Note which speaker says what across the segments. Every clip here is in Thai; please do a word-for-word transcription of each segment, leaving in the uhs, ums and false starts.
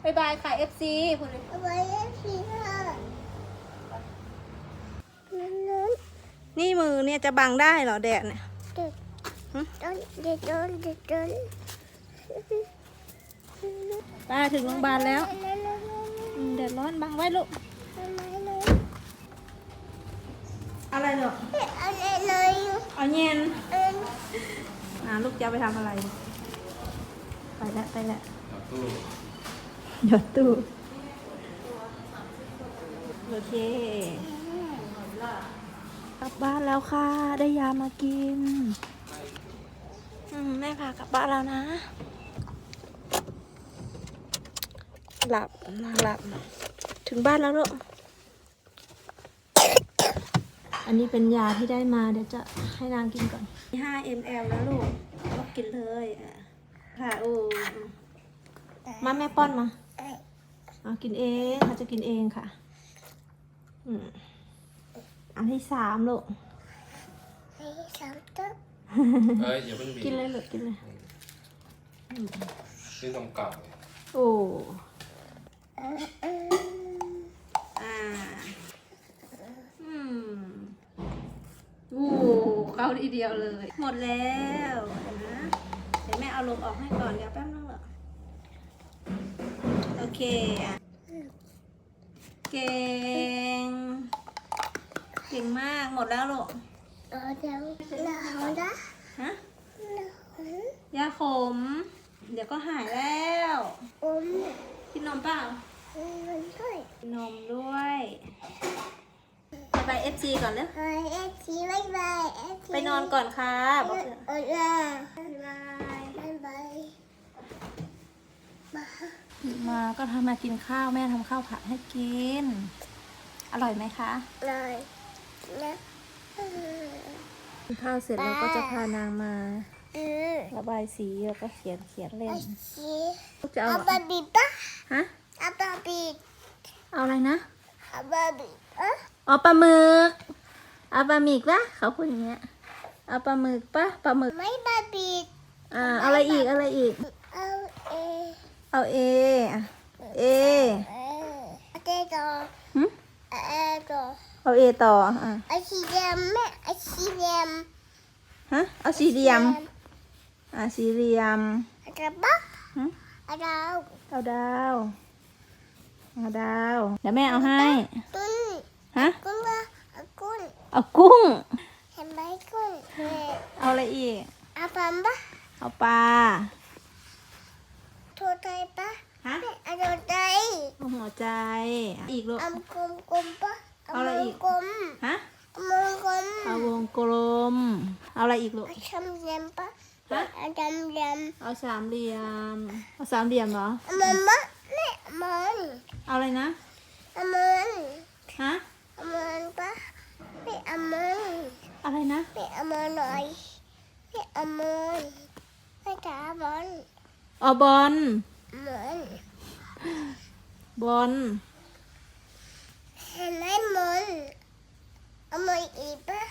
Speaker 1: บ๊ายบายค่ะ เอฟ ซี พูดเลย
Speaker 2: บ๊ายบาย เอฟ ซี ค่ะ
Speaker 1: นี่มือเนี่ยจะบังได้เหรอแดดเนี่ย
Speaker 2: เด็ดต้นเด็ดต้นเด็ดต้น
Speaker 1: ป้าถึงโรงพยาบาลแล้วอืมแดดร้อนบังไว้ลูกอะไรเหรอ
Speaker 2: อะไรเลย
Speaker 1: เอาเย็น
Speaker 2: เอ็น
Speaker 1: อ่าลูกจะเอาไปทำอะไร ไปแล้วไปแล้วหยดตู้โอเคกลับบ้านแล้วค่ะ ได้ยามากินอืมแม่พากลับบ้านแล้วนะ หลับนางหลับ ถึงบ้านแล้วลูก อันนี้เป็นยาที่ได้มาเดี๋ยวจะให้นางกินก่อนห้า มิลลิลิตร แล้วลูกก็กินเลยอ่ะค่ะโอ้มาแม่ป้อนมาเอากินเองเขาจะกินเองค่ะอืมอันที่สามลูก
Speaker 2: ให้สามต้น
Speaker 3: เอ้ยอย่าเพิ่งบีบ
Speaker 1: กินเลยลูกกินเลย
Speaker 3: นี่นมเก่า
Speaker 1: โอ้
Speaker 2: เออเออ
Speaker 1: อ่าอืมโอ้เข้าทีเดียวเลย หมดแล้วนะเดี๋ยวแม่เอาลมออกให้ก่อนเดี๋ยวแป๊บนึงเหรอโอเคอ่ะเก่งเก่งมากหมดแล้วลูก
Speaker 2: เออเดี๋ยวหนาวนะ
Speaker 1: ฮะ
Speaker 2: หนาวย
Speaker 1: าขม เดี๋ยวก็หายแล้ว
Speaker 2: อม
Speaker 1: กินนมเปล่า
Speaker 2: มันด้วย
Speaker 1: กินนมด้วยไปเอฟซีก่อนเลย
Speaker 2: เออเอฟซีบ๊ายบายเอฟซี
Speaker 1: ไปนอนก่อนค่ะบอก
Speaker 2: เออ
Speaker 1: เถอะ
Speaker 2: เออ
Speaker 1: บ๊ายบาย
Speaker 2: บ๊ายบายมา
Speaker 1: มาก็ทำมากินข้าวแม่ทำข้าวผัดให้กิน อร่อยไหมคะ
Speaker 2: เลยนะเออ
Speaker 1: กินข้าวเสร็จเราก็จะพานางมา
Speaker 2: เออ
Speaker 1: ระบายสีแล้วก็เขียนเขียนเล่
Speaker 2: ไอน ซี
Speaker 1: ลูกจะเอา
Speaker 2: อาบาบีปะ
Speaker 1: ฮะ
Speaker 2: อาบาบี
Speaker 1: เอาอะไรนะ
Speaker 2: อาบาบีปะ
Speaker 1: เอาปลาหมึกเอาปลาหมึกปะเขาพูดอย่างเงี้ยเอาปลาหมึกปะปลาหมึก
Speaker 2: ไม่บาบี
Speaker 1: อ่าเอาอะไรอีกอะไรอีก
Speaker 2: เอาเอ
Speaker 1: เอาเออ่ะเอ
Speaker 2: เออเจโต
Speaker 1: หึ
Speaker 2: เอโต
Speaker 1: เอาเอต่ออ่ะ
Speaker 2: ไอสีแดงแม่ไอสีแดง
Speaker 1: ฮะเอาสี่เหลี่ยมอ่ะสี่เหลี่ยม
Speaker 2: อะไรปะ
Speaker 1: หึ
Speaker 2: อะไร
Speaker 1: เอาดาวเอาดาวเดี๋ยวแม่เอาให้
Speaker 2: ตุ้น
Speaker 1: ฮะ
Speaker 2: กุ้งละกุ้ง
Speaker 1: เอากุ้ง
Speaker 2: เห็นไหมกุ้งเฮ้ย
Speaker 1: เอาอะไรอีก
Speaker 2: อาปัมปะ
Speaker 1: เอาปลา
Speaker 2: โทษใจปะ
Speaker 1: ฮะ
Speaker 2: อาโดใจ
Speaker 1: เอาหัวใจอีกลูก
Speaker 2: อมกลมกลมปะ
Speaker 1: เอาอะไรอีก
Speaker 2: กลม
Speaker 1: ฮะ
Speaker 2: อมกลม
Speaker 1: เอาวงกลมเอาอะไรอีกลูก
Speaker 2: อาชำเลียมปะ
Speaker 1: ฮะ
Speaker 2: อาดำเลียม
Speaker 1: เอาสามเหลี่ยมเอาสามเหลี่ยมเหรอ
Speaker 2: มันมะเนี่ยมัน
Speaker 1: เอาอะไรนะ
Speaker 2: มัน
Speaker 1: ฮะ
Speaker 2: มันปะไม่อามัน
Speaker 1: อะไรนะ
Speaker 2: ไม่อามันหน่อยไม่อามันไม่จ๋าบอล
Speaker 1: เอาบอล
Speaker 2: มัน
Speaker 1: บอล
Speaker 2: เห็นไหมมันเอามันอีกปะ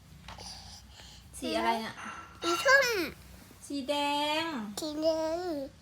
Speaker 1: สีอะไรน่ะ
Speaker 2: สีส้ม
Speaker 1: สีแดง
Speaker 2: สีแดง